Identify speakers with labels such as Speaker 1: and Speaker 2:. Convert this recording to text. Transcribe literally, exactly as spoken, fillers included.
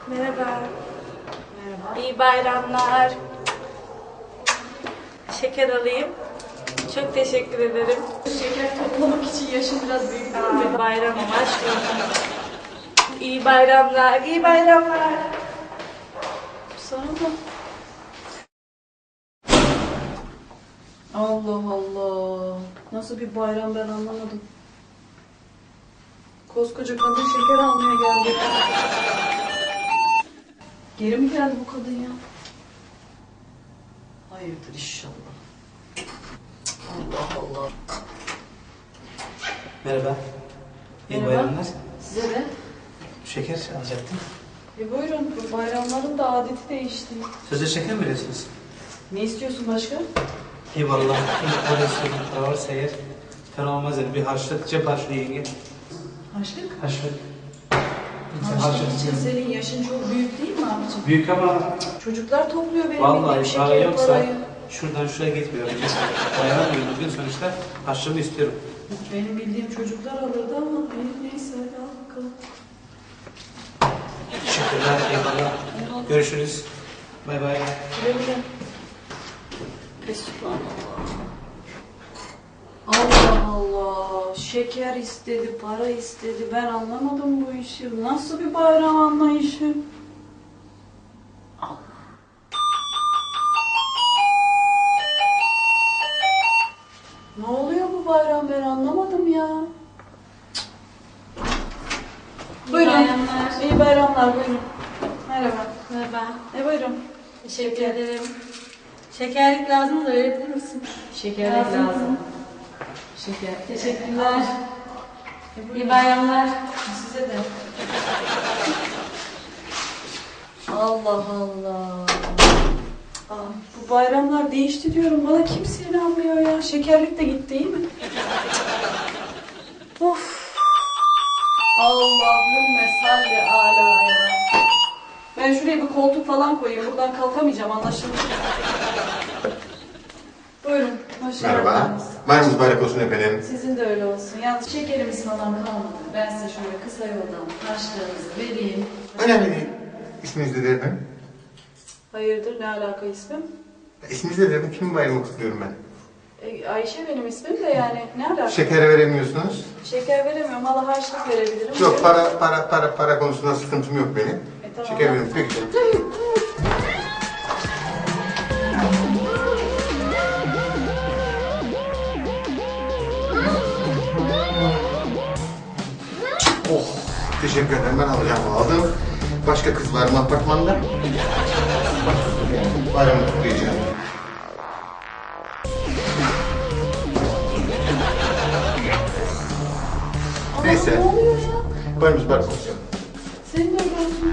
Speaker 1: Merhaba.
Speaker 2: Merhaba.
Speaker 1: İyi bayramlar. Şeker alayım. Çok teşekkür ederim.
Speaker 2: Şeker toplamak için yaşım biraz büyük değil mi?
Speaker 1: Aa, bayramım aşkım. İyi bayramlar, iyi bayramlar.
Speaker 2: Sana da. Allah Allah. Nasıl bir bayram ben anlamadım. Koskoca kadın şeker almaya geldi. Geri mi geldi bu kadın ya? Hayırdır inşallah. Allah Allah.
Speaker 3: Merhaba. İyi
Speaker 2: Merhaba.
Speaker 3: bayramlar.
Speaker 2: Size de.
Speaker 3: Şeker alacaktım.
Speaker 2: E buyurun, bu bayramların da adeti değişti.
Speaker 3: Sözde şeker mi veriyorsunuz?
Speaker 2: Ne istiyorsun başka?
Speaker 3: Eyvallah. İlk para istiyorum. Para varsa eğer fena olmaz yani. Bir harçlık, cep harçlığı yenge.
Speaker 2: Harçlık?
Speaker 3: Harçlık.
Speaker 2: Harçlık için senin yaşın çok büyük değil mi abicim?
Speaker 3: Büyük ama
Speaker 2: Çocuklar topluyor benim
Speaker 3: vallahi
Speaker 2: bildiğim
Speaker 3: para
Speaker 2: şeker
Speaker 3: yoksa
Speaker 2: parayı.
Speaker 3: şuradan şuraya gitmiyor. Dayanamıyorum. Bugün sonuçta harçlığımı istiyorum.
Speaker 2: Benim bildiğim çocuklar alırdı ama benim neyse hadi al bakalım.
Speaker 3: Teşekkürler. Eyvallah. Görüşürüz. Bay bay.
Speaker 2: Güle güle. Fesubhanallah. Allah Allah. Şeker istedi, para istedi. Ben anlamadım bu işi. Nasıl bir bayram anlayışı? Allah. Ne oluyor bu bayram ben anlamadım ya. Buyurun.
Speaker 1: bayramlar.
Speaker 2: İyi bayramlar buyurun. Merhaba.
Speaker 1: Merhaba.
Speaker 2: E buyurun.
Speaker 1: Teşekkür ederim. Şekerlik lazım da verebilir misin?
Speaker 2: Şekerlik
Speaker 1: Lazım.
Speaker 2: lazım. Şeker.
Speaker 1: Teşekkürler.
Speaker 2: E
Speaker 1: İyi
Speaker 2: buyurun.
Speaker 1: bayramlar.
Speaker 2: Size de. Allah Allah. Aa, bu bayramlar değişti diyorum. Bana kimse inanmıyor ya. Şekerlik de gitti değil mi? Of. Allahümme salli ala ya. Ben şuraya bir koltuk falan koyayım. Buradan kalkamayacağım anlaşıldı. Buyurun. Hoş
Speaker 4: Merhaba.
Speaker 2: geldiniz.
Speaker 4: Bayramınız mübarek olsun efendim.
Speaker 2: Sizin de öyle olsun. Yalnız şekerimiz falan kalmadı. Ben size şöyle kısa yoldan harçlığınızı vereyim.
Speaker 4: Önemli değil. İsminiz nedir efendim?
Speaker 2: Hayırdır ne alaka ismim?
Speaker 4: İsminiz nedir efendim? Kimin bayramı kutluyorum ben?
Speaker 2: E, Ayşe benim ismim de yani ne alaka?
Speaker 4: Şeker veremiyorsunuz.
Speaker 2: Şeker veremiyorum. Valla harçlık verebilirim.
Speaker 4: Yok para para para para konusunda sıkıntım yok benim.
Speaker 2: E, tamam.
Speaker 4: Şeker veriyorum. Peki. Oh, teşekkür ederim. Ben alacağım aldım. Başka kız var mı apartmanda? Bayramı kutlayacağım. Neyse.
Speaker 2: Ne oluyor ya?
Speaker 4: Bayramımız mübarek olsun.
Speaker 2: Senin de öyle olsun.